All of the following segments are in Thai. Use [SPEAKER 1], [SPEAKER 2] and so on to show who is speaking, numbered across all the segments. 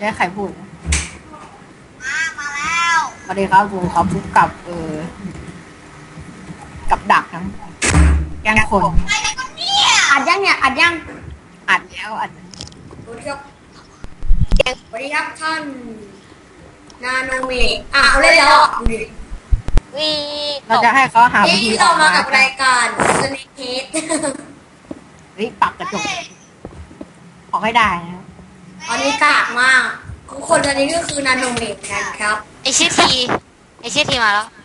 [SPEAKER 1] ได้ใครพูด
[SPEAKER 2] มาแล้ว
[SPEAKER 1] สวัสดีครับผมครับพบกับกับดักทั้งแกล้งคน
[SPEAKER 2] ไปแล้วก็เนี่ยอัดยังเนี่ยอัดยัง
[SPEAKER 1] อัดแล้วอัด
[SPEAKER 2] สวัสดีครับสวัสดีครับท่านนาโนเมะเขาเล่นแล้วดูดิ
[SPEAKER 3] วี
[SPEAKER 1] เราจะให้เขาหาวิธี
[SPEAKER 2] นี่
[SPEAKER 1] อ
[SPEAKER 2] เรา
[SPEAKER 1] อก
[SPEAKER 2] มา
[SPEAKER 1] มา
[SPEAKER 2] กับรายการสเนคเฮด
[SPEAKER 1] เฮ้ยปรับกระจกออกให้ได้นะ
[SPEAKER 2] อันนี้กากมากทุกคนตอนนี้ก็คือนาโนเมะกันครับ
[SPEAKER 3] ไอชื่อทีมาแล้ว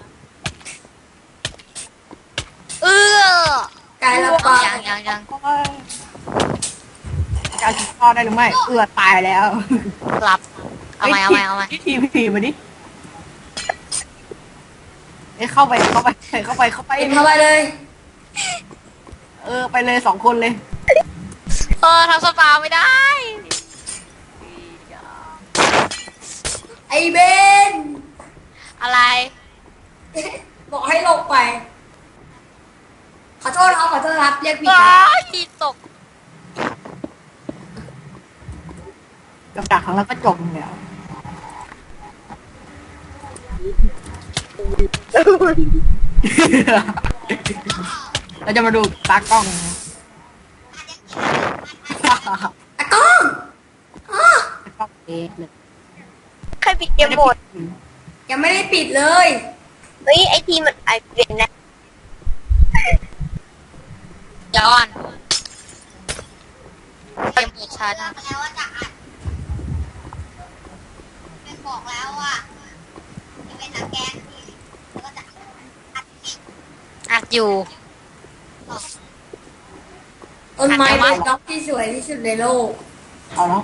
[SPEAKER 2] กายละปา
[SPEAKER 3] ยัง
[SPEAKER 1] จะเอาชีวิตรอดได้หรือไม่ตายแล้ว
[SPEAKER 3] กลับเอาใหม่
[SPEAKER 1] พี่ทีมาดิเข้าไป
[SPEAKER 2] เข้าไปเลย
[SPEAKER 1] ไปเลย2 คนเลย
[SPEAKER 3] ทำสปาไม่ได้
[SPEAKER 2] ไอเบน
[SPEAKER 3] อะไร
[SPEAKER 2] บอกให้ลงไปขอโทษครับเรียกผิด
[SPEAKER 3] ว้า
[SPEAKER 2] ครับ
[SPEAKER 3] ยตก
[SPEAKER 1] กับดักของเราก็จบแล้ว เราจะมาดูตากล้องนะ
[SPEAKER 2] ตะกล้องอ้อ
[SPEAKER 1] ตากล้องเอ๊ะเลย
[SPEAKER 3] ใครปิดเกมหมด
[SPEAKER 2] ยังไม่ได้ปิดเลย
[SPEAKER 3] เฮ้ยไอทีมันไอเป็นนะย้อนเกมหมดชัด
[SPEAKER 2] แล้วว่าจะอัดเป็นบอกแล้วว่าจะเป็นแกนที่แล้วก็จะอัด
[SPEAKER 3] อัดอยู่
[SPEAKER 2] ต้นไม้เป็นด็อกที่สวยที่สุดในโลก
[SPEAKER 1] เอาเนาะ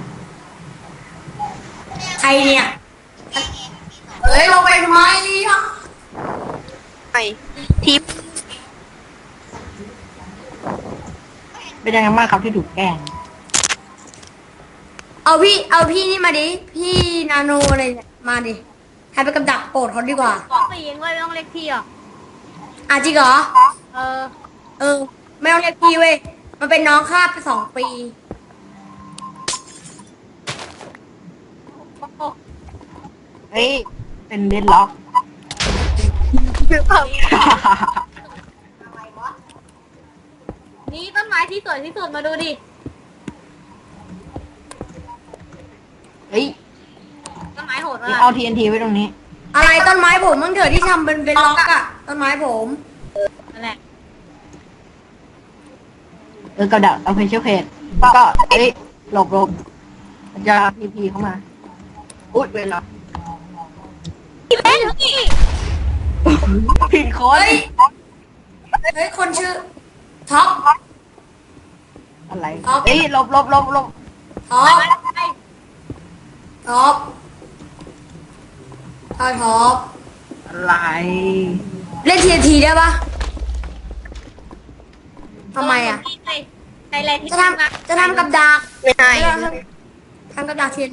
[SPEAKER 2] ใครเนี่ยเฮ้ยลงไปทำไมเนี่ย
[SPEAKER 3] ไอทิป
[SPEAKER 1] เป็นยังไงบ้างครับที่ถูกแกล้ง
[SPEAKER 2] เอาพี่นี่มาดิพี่นาโนอะไรเนี่ยมาดิให้ไปกับดักโปรดเขาดีกว่า
[SPEAKER 3] ต้องไปยิงเลยไม่ต้องเล็กที่อ่ะ
[SPEAKER 2] จริงเหรอ
[SPEAKER 3] เออ
[SPEAKER 2] ไม่ต้องเรียกพี่เว้ยมันเป็นน้องข้าไป2 ปี
[SPEAKER 1] เฮ้ยเป็นเดนล็อก
[SPEAKER 3] นี่ต้นไม้ที่สวยที่สุดมาดูดิ
[SPEAKER 1] เฮ้ย
[SPEAKER 3] ต้นไม้โหด
[SPEAKER 1] นี่
[SPEAKER 3] มาก
[SPEAKER 1] เอา TNT ไว้ตรงนี้
[SPEAKER 2] อะไรต้นไม้ผมมึงเถอะที่ทำเป็นล็อกอะต้นไม้ผม
[SPEAKER 3] นั่นแหละ
[SPEAKER 1] กับดักเอาเพชรเพจก็เฮ้ยหลบมันจะพีเข้ามาอุ๊ยเวลา
[SPEAKER 3] พี่เล่นนี่
[SPEAKER 1] ผิดคน
[SPEAKER 2] เฮ้ยคนชื่อท็อป
[SPEAKER 1] อะไร
[SPEAKER 2] เอา
[SPEAKER 1] เฮ้ยหลบ
[SPEAKER 2] ท็อปท็อป
[SPEAKER 1] อะไร
[SPEAKER 2] เล่นทีได้ปะทำไมอะ
[SPEAKER 3] ไทยแลนด์ที่
[SPEAKER 2] จะทำกับดัก
[SPEAKER 3] ไม่ได้
[SPEAKER 2] ทำกับดักเทียน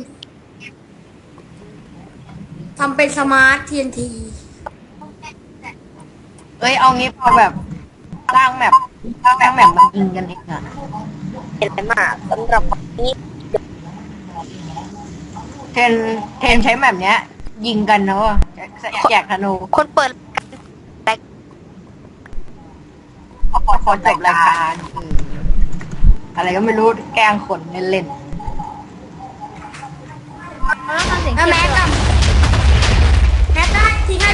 [SPEAKER 2] ทำเป็นสมาร์ทTNT
[SPEAKER 1] เอ้ยเอางี้พอแบบสร้างแมปมันยิงกันเองอะ
[SPEAKER 3] เห็นไหมมากสำหรับวันนี้
[SPEAKER 1] เทนใช้แมปเนี้ย ยิงกันนะวะแจกธนู
[SPEAKER 3] คนเปิด
[SPEAKER 1] ขอจบรายการอะไรก็ไม่รู้แกล้งคนเล่น
[SPEAKER 3] แล้วทำเสียง
[SPEAKER 2] แม็กได้ทิ้งให้